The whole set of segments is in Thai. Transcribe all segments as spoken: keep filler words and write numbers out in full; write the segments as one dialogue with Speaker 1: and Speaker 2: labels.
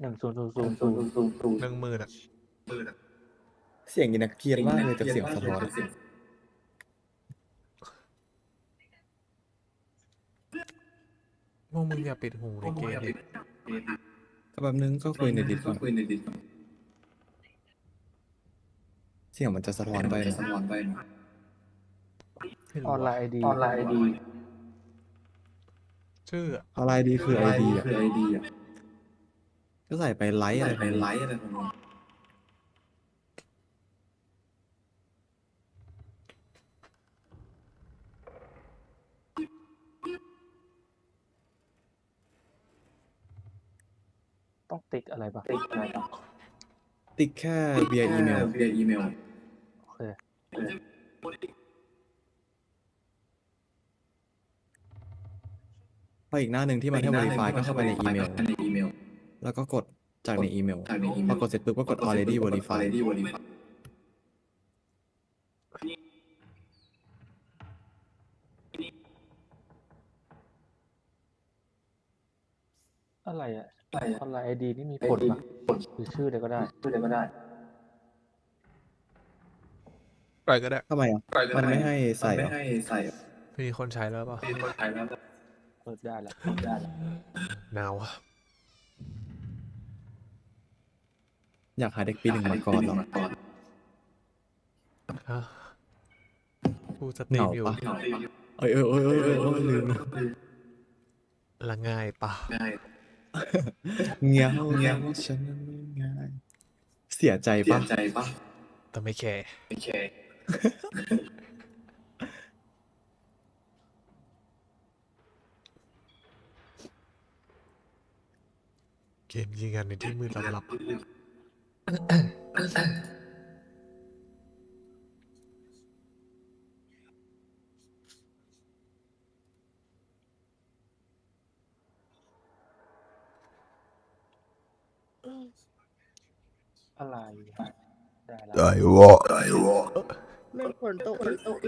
Speaker 1: หนึ่งศูนย์ศูนย์ศูนย์ศูนย์ศูนย์ศูนย์
Speaker 2: หนึ่งหมื่นอ่ะ
Speaker 3: เสียงยินักเกียนมากเลยแต่เสียงสะท้อน
Speaker 2: พวกมึงอย่าปิดหูในเกมดิ
Speaker 3: แบบนึงก็คุยในดิสก่อนเสียงมันจะสะท้อนไปนะ
Speaker 2: ไม่
Speaker 1: อ
Speaker 2: รู้
Speaker 1: อนไล
Speaker 2: อะ
Speaker 1: น์ไอดีออนไลน์ไอดี
Speaker 2: ชื่ออะ
Speaker 3: อะไรดีคือไอดีอ่ะก็ใส่ไปไลท์อะไรไปไลท์อะไรของมัน
Speaker 1: ต้องติ๊กอะไรปะติ๊กอะไรปะ
Speaker 3: ติ๊กแค่ via อีเมล via อีเมล
Speaker 1: โอเค
Speaker 3: พออีกหน้าหนึ่งที่มันให้ verify ก็เข้าไปในอีเมลแล้วก็กดจากในอีเมลพอกดเสร็จปุ๊บก็กด already verify
Speaker 1: อะไรอ่ะออนไลน์ไอดีนี่มีผลปะหรือชื่ออะไรก็ได้ชื่ออะไรก็ได้
Speaker 2: ปล่อยก็ได้
Speaker 3: ทำไมอ่ะมันไม่ให้ใส่เหรอ
Speaker 2: มีคนใช้แล้วเปล่า
Speaker 1: เปิดได้แล้วเปิดได้แล้ว
Speaker 2: หนาวอะ
Speaker 3: อยากหาเด็กปีหนึ่งมาก่อนหรอ
Speaker 2: ฮะกูสตรี
Speaker 3: เห
Speaker 2: ม
Speaker 3: งา
Speaker 2: อยู่
Speaker 3: ปะเอ้ยเอ้ยเอ้ยเอ้ยเอ้ยเอ้ยลืม
Speaker 2: ละง่ายปะ
Speaker 3: เงี้ยวเงี้ยวฉันนั้นไม่ง่ายเสียใจปะ
Speaker 2: แต่ไม่แคร์เกมยิงกันในที่มืดลับ
Speaker 1: อะไรได้แล้ว
Speaker 2: ได้วะได้วะ
Speaker 4: ไม่ฝนตกฝนตก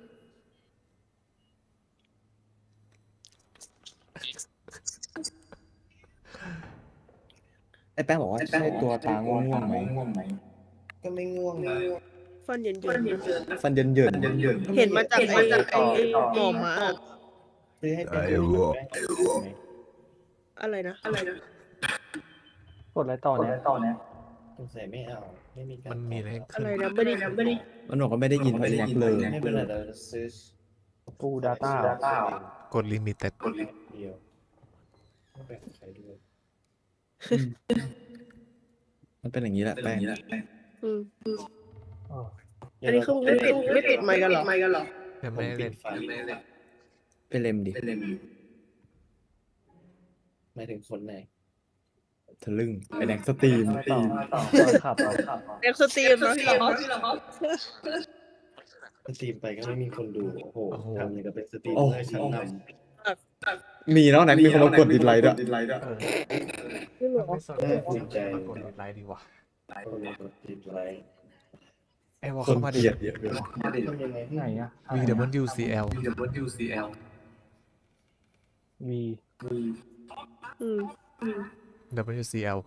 Speaker 3: ไอ้แป้งบอกว่าใช่ตัวตาง่วงๆไหม
Speaker 5: ก็ไม่ง่วงนะ
Speaker 4: ฟันเย็นเย็น
Speaker 3: ฟันเยินเยิน
Speaker 4: เห็นมาจากไอ้ไอ้หมอมา
Speaker 5: ซื้อให้เป็นตัวไหม
Speaker 4: อะไรนะอะไรนะ
Speaker 1: กดอะไรต่อเนี่ยต่อเนี่ย
Speaker 5: สงสัยไม่เอาไม่มีการ
Speaker 2: มันมีอะไรให้
Speaker 4: อะ
Speaker 2: ขึ้น
Speaker 4: ไรนะไม่ได้ไม่ได้
Speaker 3: มันบอกว่าไม่ได้ยินไม่ได้ยักเลย
Speaker 5: ไม่เป็นไรเราจะซื้อ
Speaker 1: กู Data
Speaker 2: กดลิมิตแต่
Speaker 5: เดียวไม่แบ่งใครด้วย
Speaker 3: มันเป็นอย่างนี้แหละแป้ง
Speaker 4: อืม
Speaker 1: เออ
Speaker 4: อันนี้คือมึงไม่ปิดไม่ปิดไมค์กันเหรอไมค์กันเหรอ
Speaker 2: ยัง
Speaker 5: ผ
Speaker 2: ไม่
Speaker 5: ม
Speaker 2: ได้
Speaker 5: ปิ
Speaker 2: เล่
Speaker 5: ด
Speaker 2: น
Speaker 5: ไฟ
Speaker 3: เป็นเลมดิ
Speaker 5: หมายถึงคนไหน
Speaker 3: ทะลึ่งไอแดงสตรีม
Speaker 1: ไม่ต่อไม่ต่อเปิดขับเอาขับเอา
Speaker 4: เอ็กซ์ตรีมนะพี่เหรอ
Speaker 5: สตรีมไปก็ไม่มีคนดูโอ้โหทำอย่างกับเป็นสตรีม
Speaker 3: โอ้
Speaker 5: เมอร์ชั้นน
Speaker 3: มีแล้วนะมีคนมากดดิสไลค์ด้วย
Speaker 1: เออ
Speaker 4: พี่เหรอ
Speaker 2: ไม่สนใจมากดไลค์ดีกว่า
Speaker 5: ำคนมากดดิสไลค์
Speaker 2: ไอ้วอ
Speaker 3: ค
Speaker 2: เข้าน มา
Speaker 3: เก
Speaker 2: ดิ
Speaker 3: ลียดเยอะเลย
Speaker 5: ทำยังไง
Speaker 1: ไหนอ่ะ
Speaker 2: V W C L
Speaker 1: V
Speaker 4: อืม
Speaker 2: W C L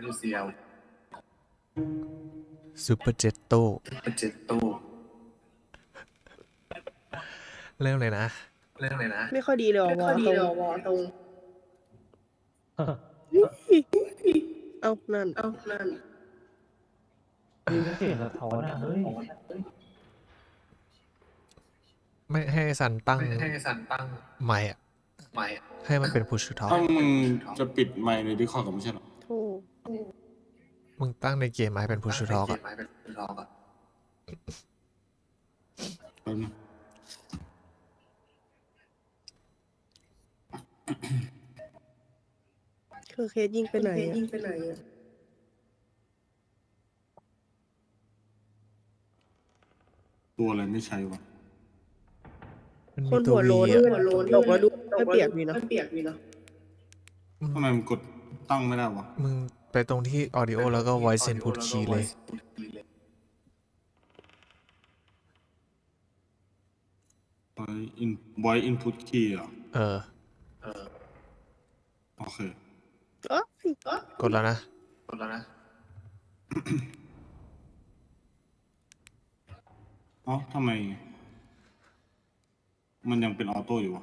Speaker 2: Super Jetto เริ่มเลยนะ
Speaker 4: ไม่ค่อยดีเลยว่ะวอตรงวอตรงเอานั่นเอานั่น
Speaker 1: มีเสียงสะท้อนอ่ะเฮ้ย
Speaker 2: ไม่ให้ซันตั้งไมค์อะให้มันเป็น push to talk
Speaker 6: ถ้ามึงจะปิดไมค์ในดิคอร์ดก็ไม่ใช่หรอ
Speaker 4: โธ่
Speaker 2: มึงตั้งในเกมมาให้เป็น push to talk อะ
Speaker 6: แป๊บนึง
Speaker 4: คือเคสยิงไปไหนอะยิงไปไหนอะ
Speaker 6: ตัวอะไรไม่ใช่วะ
Speaker 2: มัน
Speaker 4: ค
Speaker 2: มี
Speaker 4: น
Speaker 2: ตัว
Speaker 4: หัว
Speaker 2: V
Speaker 4: โลน
Speaker 2: อะ
Speaker 4: หัวโลนตกแล้วดูไม่เปียกมีเนาะเปียกมีเนาะ
Speaker 6: ทำไมมันกดตั้งไม่ได้วะ
Speaker 2: มึงไปตรงที่ audio แล้วก็ voice input key เลย
Speaker 6: ไวอินไวอินพุตคีย์อ่ะ
Speaker 2: เออ
Speaker 6: โอเค
Speaker 4: อ๋อ
Speaker 2: กดแล้วนะ
Speaker 7: กดแล้วนะ
Speaker 6: เอ๋อทำไม มันยังเป็นออโต้อยู่วะ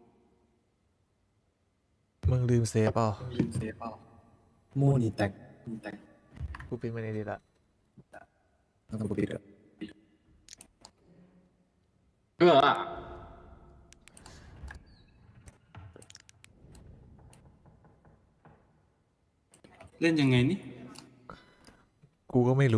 Speaker 2: มึงลืมเซฟเปล่า
Speaker 7: ยิงเซฟเปล่า
Speaker 3: โมนีแตก
Speaker 7: แต่
Speaker 2: กูปิดมันในดีละ
Speaker 3: แล้วก็ปิดเลย
Speaker 7: เออ
Speaker 6: เล่นยังไงนี่
Speaker 2: กูก็ไม่รู้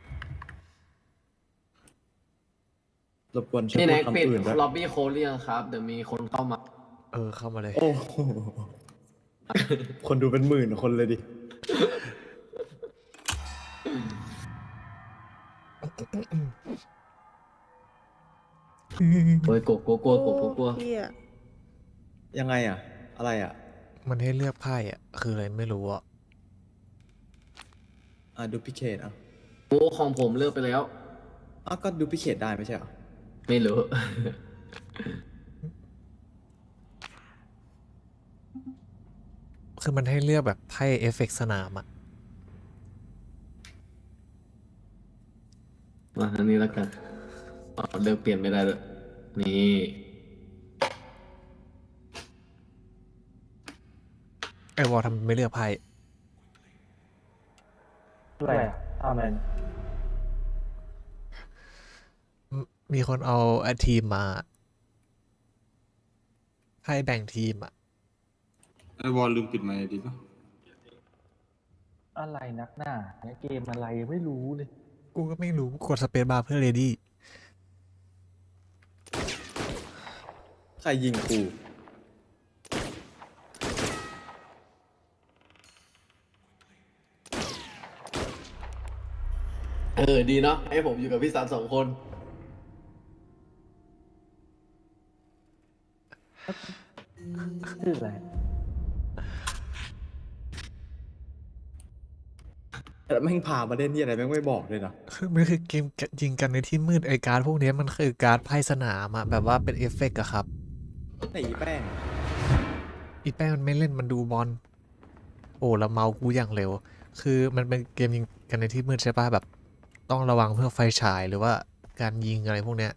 Speaker 3: รบกวนช่วย
Speaker 7: นี่
Speaker 3: พู
Speaker 7: แน็
Speaker 3: ด
Speaker 7: กปิด
Speaker 3: คำอื่นด้วย
Speaker 7: ล็อบบี้โคเรียครับ เดี๋ยวมีคนเข้ามา
Speaker 2: เออเข้ามาเลย
Speaker 3: โอ้โหคนดูเป็นหมื่นคนเลยดิ
Speaker 7: โอ้ยกลัวกลัวกลัวกลัวกลัวกลัว
Speaker 4: เหี้ย
Speaker 3: ยังไงอ่ะ อะไรอ่ะ
Speaker 2: มันให้เลือกไพ่อ่ะ คืออะไรไม่รู้อ่ะ
Speaker 3: อ่ะดูพิเคทอ่ะ
Speaker 7: โอ้ของผมเลือกไปแล้ว
Speaker 3: อ้าวก็ดูพิเคทได้ไม่ใช่เหรอ
Speaker 7: ไม่รู้
Speaker 2: คือมันให้เลือกแบบไพ่เอฟเฟกต์สนามอ่ะ
Speaker 7: มาอันนี้แล้วกันอ๋อเลือกเปลี่ยนไม่ได้เลยนี่
Speaker 2: ไอวอลทำไม่เลือกไพ่
Speaker 1: อะไรอ่ะอาเมน
Speaker 2: มมีคนเอาไอทีมมาไพ่แบ่งทีมอ่ะ
Speaker 6: ไอวอลลืมปิดไมค์ดีป่ะ
Speaker 1: อะไรนักหน้าเนี่ยเกมอะไรไม่รู้เลย
Speaker 2: กูก็ไม่รู้กดสเปซบาร์เพื่อเรดี้
Speaker 3: ใครยิงกู
Speaker 7: เออดีเนาะให้ผมอยู่กับพี่สามสองคน
Speaker 1: ชื่ออะไร
Speaker 3: แต่แม่งพามาเล่นที่อะไรแม่งไม่บอกเลยนะ
Speaker 2: คือมันคือเกมยิงกันในที่มืดไอการ์ดพวกเนี้ยมันคือการ์ดไพ่สนามอะแบบว่าเป็นเอฟเฟกต์อะครับ
Speaker 3: ไหนอีแป้ง
Speaker 2: อีแป้งมันไม่เล่นมันดูบอลโอ้แล้วเมาส์กูอย่างเร็ว คือมันเป็นเกมยิงกันในที่มืดใช่ป่ะแบบ ต้องระวังเพื่อไฟฉายหรือว่าการยิงอะไรพวกเนี้ย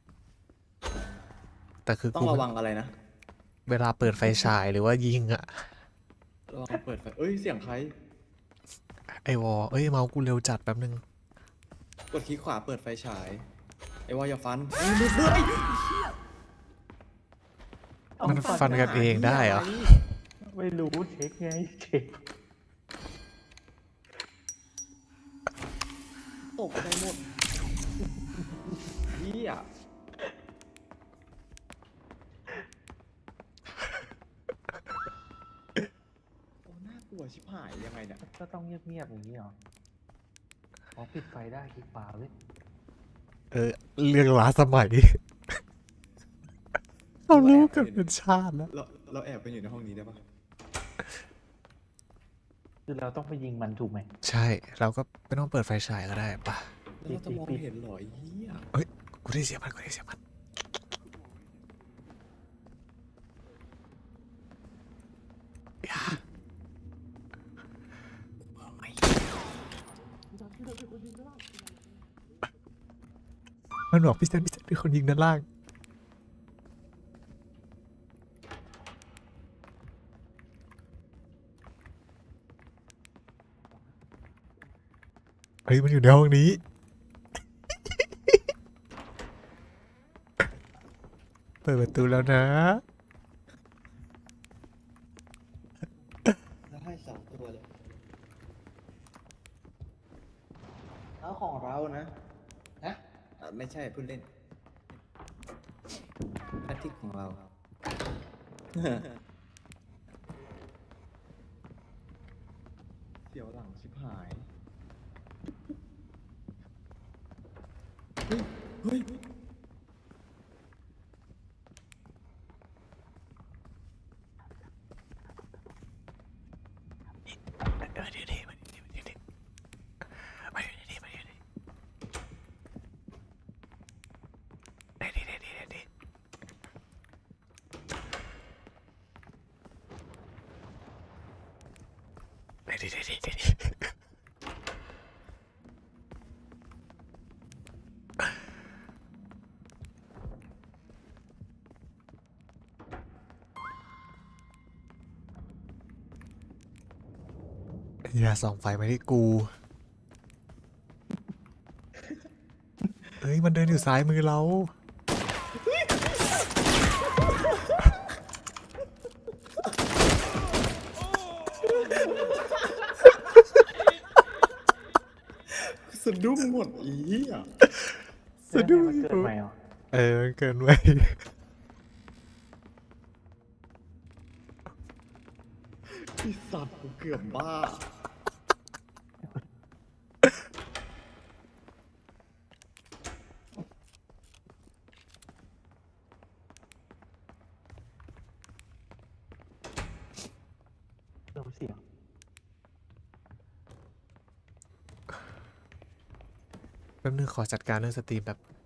Speaker 2: แต่คือ
Speaker 3: ต้อ
Speaker 2: กู
Speaker 3: งระวังอะไรนะ
Speaker 2: เวลาเปิดไฟฉายหรือว่ายิงอะ
Speaker 3: ระวังเปิดไฟเอ้ยเสียงใคร
Speaker 2: ไอวอเอ้ยเมาส์กูเร็วจัดแป๊บนึง
Speaker 3: กดคลิกขวาเปิดไฟฉาย ไอ้วออย่าฟันเอ้ยหลุดด้วย
Speaker 2: มันฟันกันเองได้เหรอ
Speaker 1: ไม่รู้เช็คไงเช็ค
Speaker 3: ตกใจหมดเฮียโอ้น่ากลัวชิบหายยังไงเนี่ย
Speaker 1: ก็ต้องเงียบๆอย่างนี้เหรออ๋อปิดไฟได้คลิกขวาเว้ย
Speaker 2: เออเรื่องล้าสมัย เรารู้กันเป็นชาติแล้ว
Speaker 3: เราเราแอบไปอยู่ในห้องนี้ได้ปะ
Speaker 1: คือเราต้องไปยิงมันถูกไหม
Speaker 2: ใช่เราก็ไม่ต้องเปิดไฟฉายก็ได้ปะ
Speaker 3: แล้วเราจะมองเห็นเหรอไอ้เฮีย
Speaker 2: เฮ้ยกูได้เสียงมันกูได้เสียงมันอย่ามันบอกพี่เซนพี่เซนเป็นคนยิงด้านล่างเฮ้ยมันอยู่ในห้องนี้ เปิดประตูแล้วนะ
Speaker 3: แล้วให้สองตัวเลยแล้วของเรานะฮะอ่ะไม่ใช่พูดเล่นแพทริกของเรา เสียวหลังชิบหาย เฮ้ย เฮ้ย
Speaker 2: เออเดี๋ยวดิมาเดี๋ยวดิเดี๋ยวดิมาเดี๋ยวดิมาเดี๋ยวดิเดี๋ยวดิเดี๋ยวดิเดี๋ยวดิเดี๋ยวดิเดี๋ยวดิเดี๋ยวดิอย่าส่องไฟมาที่กูเอ้ย มันเดินอยู่ซ้ายมือเรา
Speaker 3: สะดุ้งหมดอีอ่ะ
Speaker 2: สะดุ้ง
Speaker 1: มันเกิดใหม่เหรอ
Speaker 2: เออมันเกินไป
Speaker 3: ไอสัตว์กูเกือบบ้า
Speaker 1: เริ่มเสียง
Speaker 2: แป๊บนึงขอจัดการเรื่องสตรีมแบบ